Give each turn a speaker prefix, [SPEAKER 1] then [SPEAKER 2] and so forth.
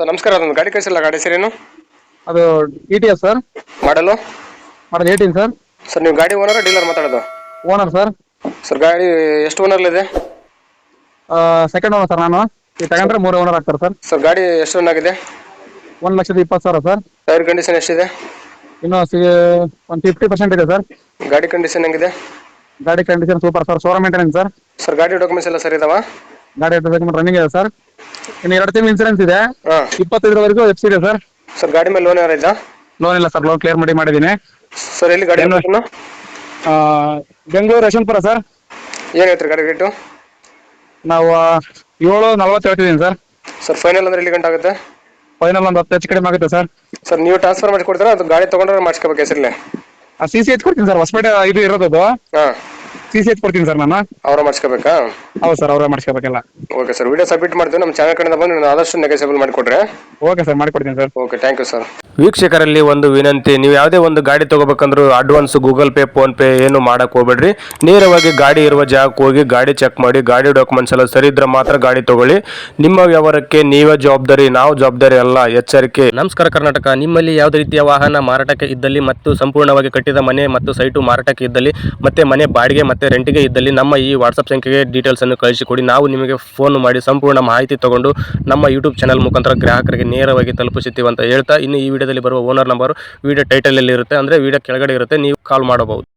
[SPEAKER 1] Sir ನಮಸ್ಕಾರ, ಅದೊಂದು ಗಾಡಿ ಕಳಿಸಿಲ್ಲ. ಗಾಡಿ ಹೆಸರೇನು?
[SPEAKER 2] ಅದು TTS ಸರ್.
[SPEAKER 1] ಮಾಡಲು
[SPEAKER 2] ಮಾಡಲ್ 18 ಸರ್.
[SPEAKER 1] ಸರ್ ನೀವು ಗಾಡಿ ಓನರ್ ಡೀಲರ್ ಮಾತಾಡೋದು?
[SPEAKER 2] Owner sir.
[SPEAKER 1] ಸರ್ ಗಾಡಿ ಎಷ್ಟು ಓನರ್ಲಿದೆ?
[SPEAKER 2] Second owner sir. ನಾನು ಈ ತಗೊಂಡ್ರೆ 3 ಓನರ್ ಆಗ್ತಾರೆ ಸರ್.
[SPEAKER 1] ಸರ್ ಗಾಡಿ ಎಷ್ಟು ರನ್ ಆಗಿದೆ?
[SPEAKER 2] 1,20,000 ಸರ್.
[SPEAKER 1] ಟೈರ್ ಕಂಡೀಷನ್ ಎಷ್ಟಿದೆ?
[SPEAKER 2] ಇನ್ನು ಒಂದು 50% ಇದೆ ಸರ್.
[SPEAKER 1] ಗಾಡಿ ಕಂಡೀಷನ್ ಹೆಂಗಿದೆ?
[SPEAKER 2] ಗಾಡಿ condition super sir. Showroom maintenance sir.
[SPEAKER 1] Sir ಗಾಡಿ ಡಾಕ್ಯುಮೆಂಟ್ಸ್ ಎಲ್ಲ ಸರಿ ಇದಾವ?
[SPEAKER 2] ಗಾಡಿ ಡಾಕ್ಯುಮೆಂಟ್ ರನ್ನಿಂಗ್ ಇದೆ ಸರ್. ಇನ್ನು 2 ತಿಂಗಳು ಇನ್ಸೂರೆನ್ಸ್ ಇದೆ.
[SPEAKER 1] ಹಾಂ.
[SPEAKER 2] 25ವರೆಗೂ ಎಫ್ಸಿ ಇದೆ ಸರ್.
[SPEAKER 1] ಸರ್ ಗಾಡಿ ಮೇಲೆ ಲೋನ್ ಯಾರು ಇದ್ದ?
[SPEAKER 2] ಲೋನ್ ಇಲ್ಲ ಸರ್. ಲೋನ್ ಕ್ಲಿಯರ್ ಮಾಡಿದ್ದೀನಿ.
[SPEAKER 1] ಸರ್ ಎಲ್ಲಿ ಗಾಡಿ ಲೊಕೇಶನ್?
[SPEAKER 2] ಬೆಂಗಳೂರು ಯಶವಂತಪುರ ಸರ್.
[SPEAKER 1] ಏನು ಹೇಳ್ತೀರಿ ಗಾಡಿ ರೇಟು?
[SPEAKER 2] ನಾವು 7,40 ಹೇಳ್ತಿದ್ದೀನಿ ಸರ್.
[SPEAKER 1] ಸರ್ ಫೈನಲ್ ಅಂದ್ರೆ ಎಲ್ಲಿ ಗಂಟೆ ಆಗುತ್ತೆ?
[SPEAKER 2] ಫೈನಲ್ ಒಂದು 10 ಹೆಚ್ಚು ಕಡಿಮೆ ಆಗುತ್ತೆ ಸರ್.
[SPEAKER 1] ಸರ್ ನೀವು ಟ್ರಾನ್ಸ್ಫರ್ ಮಾಡಿ ಕೊಡ್ತೀರಾ ಅದು ಗಾಡಿ ತೊಗೊಂಡ್ರೆ ಮಾಡಿಸ್ಕೋಬೇಕು ಹೆಸರಲ್ಲಿ?
[SPEAKER 2] CC ಎಚ್ ಕೊಡ್ತೀನಿ ಸರ್. ಹೊಸಪೇಟೆ ಇದು ಇರೋದು.
[SPEAKER 1] ಹಾಂ.
[SPEAKER 2] CC ಎಚ್ ಕೊಡ್ತೀನಿ ಸರ್ ನಾನು.
[SPEAKER 1] ಅವರ ಮಾಡಿಸ್ಕೋಬೇಕಾ?
[SPEAKER 2] ಹೌದು ಸರ್, ಅವರೇ ಮಾಡಿಸ್ಕೋಬೇಕಲ್ಲ.
[SPEAKER 1] ಓಕೆ ಸರ್, ವಿಡಿಯೋ ಸಬ್ಮಿಟ್ ಮಾಡ್ತೀವಿ. ನಮ್ಮ ಚಾನಲ್ ಕಡೆಯಿಂದ ಬಂದು ನೀವು ಆದಷ್ಟು ನೆಗೆಸೇಬಲ್ ಮಾಡಿಕೊಡ್ರೆ.
[SPEAKER 2] ಓಕೆ ಸರ್, ಮಾಡಿಕೊಡ್ತೀನಿ sir.
[SPEAKER 1] Okay, thank you sir.
[SPEAKER 3] ವೀಕ್ಷಕರಲ್ಲಿ ಒಂದು ವಿನಂತಿ, ನೀವು ಯಾವುದೇ ಒಂದು ಗಾಡಿ ತಗೋಬೇಕಂದ್ರೂ advance Google Pay PhonePe ಏನು ಮಾಡಕ್ ಹೋಗ್ಬೇಡ್ರಿ. ನೇರವಾಗಿ ಗಾಡಿ ಇರುವ ಜಾಗಕ್ಕೆ ಹೋಗಿ ಗಾಡಿ ಚೆಕ್ ಮಾಡಿ, ಗಾಡಿ ಡಾಕ್ಯುಮೆಂಟ್ಸ್ ಎಲ್ಲ ಸರಿ ಇದ್ರೆ ಮಾತ್ರ ಗಾಡಿ ತಗೊಳ್ಳಿ. ನಿಮ್ಮ ವ್ಯವಹಾರಕ್ಕೆ ನೀವೇ ಜವಾಬ್ದಾರಿ, ನಾವು ಜವಾಬ್ದಾರಿ ಅಲ್ಲ. ಎಚ್ಚರಿಕೆ. ನಮಸ್ಕಾರ ಕರ್ನಾಟಕ. ನಿಮ್ಮಲ್ಲಿ ಯಾವುದೇ ರೀತಿಯ ವಾಹನ ಮಾರಾಟಕ್ಕೆ ಇದ್ದಲ್ಲಿ ಮತ್ತು ಸಂಪೂರ್ಣವಾಗಿ ಕಟ್ಟಿದ ಮನೆ ಮತ್ತು ಸೈಟು ಮಾರಾಟಕ್ಕೆ ಇದ್ದಲ್ಲಿ ಮತ್ತೆ ಮನೆ ಬಾಡಿಗೆ ಮತ್ತೆ ರೆಂಟಿಗೆ ಇದ್ದಲ್ಲಿ ನಮ್ಮ ಈ ವಾಟ್ಸಪ್ ಸಂಖ್ಯೆಗೆ ಡೀಟೇಲ್ಸ್ ಅನ್ನು ಕಳಿಸಿಕೊಡಿ. ನಾವು ನಿಮಗೆ ಫೋನ್ ಮಾಡಿ ಸಂಪೂರ್ಣ ಮಾಹಿತಿ ತಗೊಂಡು ನಮ್ಮ ಯೂಟ್ಯೂಬ್ ಚಾನಲ್ ಮುಖಾಂತರ ಗ್ರಾಹಕರಿಗೆ ನೇರವಾಗಿ ತಲುಪಿಸುತ್ತೀವಿ ಅಂತ ಹೇಳ್ತಾ, ಇನ್ನು ಈ ವಿಡಿಯೋದಲ್ಲಿ ಬರುವ ಓನರ್ ನಂಬರ್ ವಿಡಿಯೋ ಟೈಟಲ್ ಅಲ್ಲಿ ಇರುತ್ತೆ, ಅಂದ್ರೆ ವಿಡಿಯೋ ಕೆಳಗಡೆ ಇರುತ್ತೆ, ನೀವು ಕಾಲ್ ಮಾಡಬಹುದು.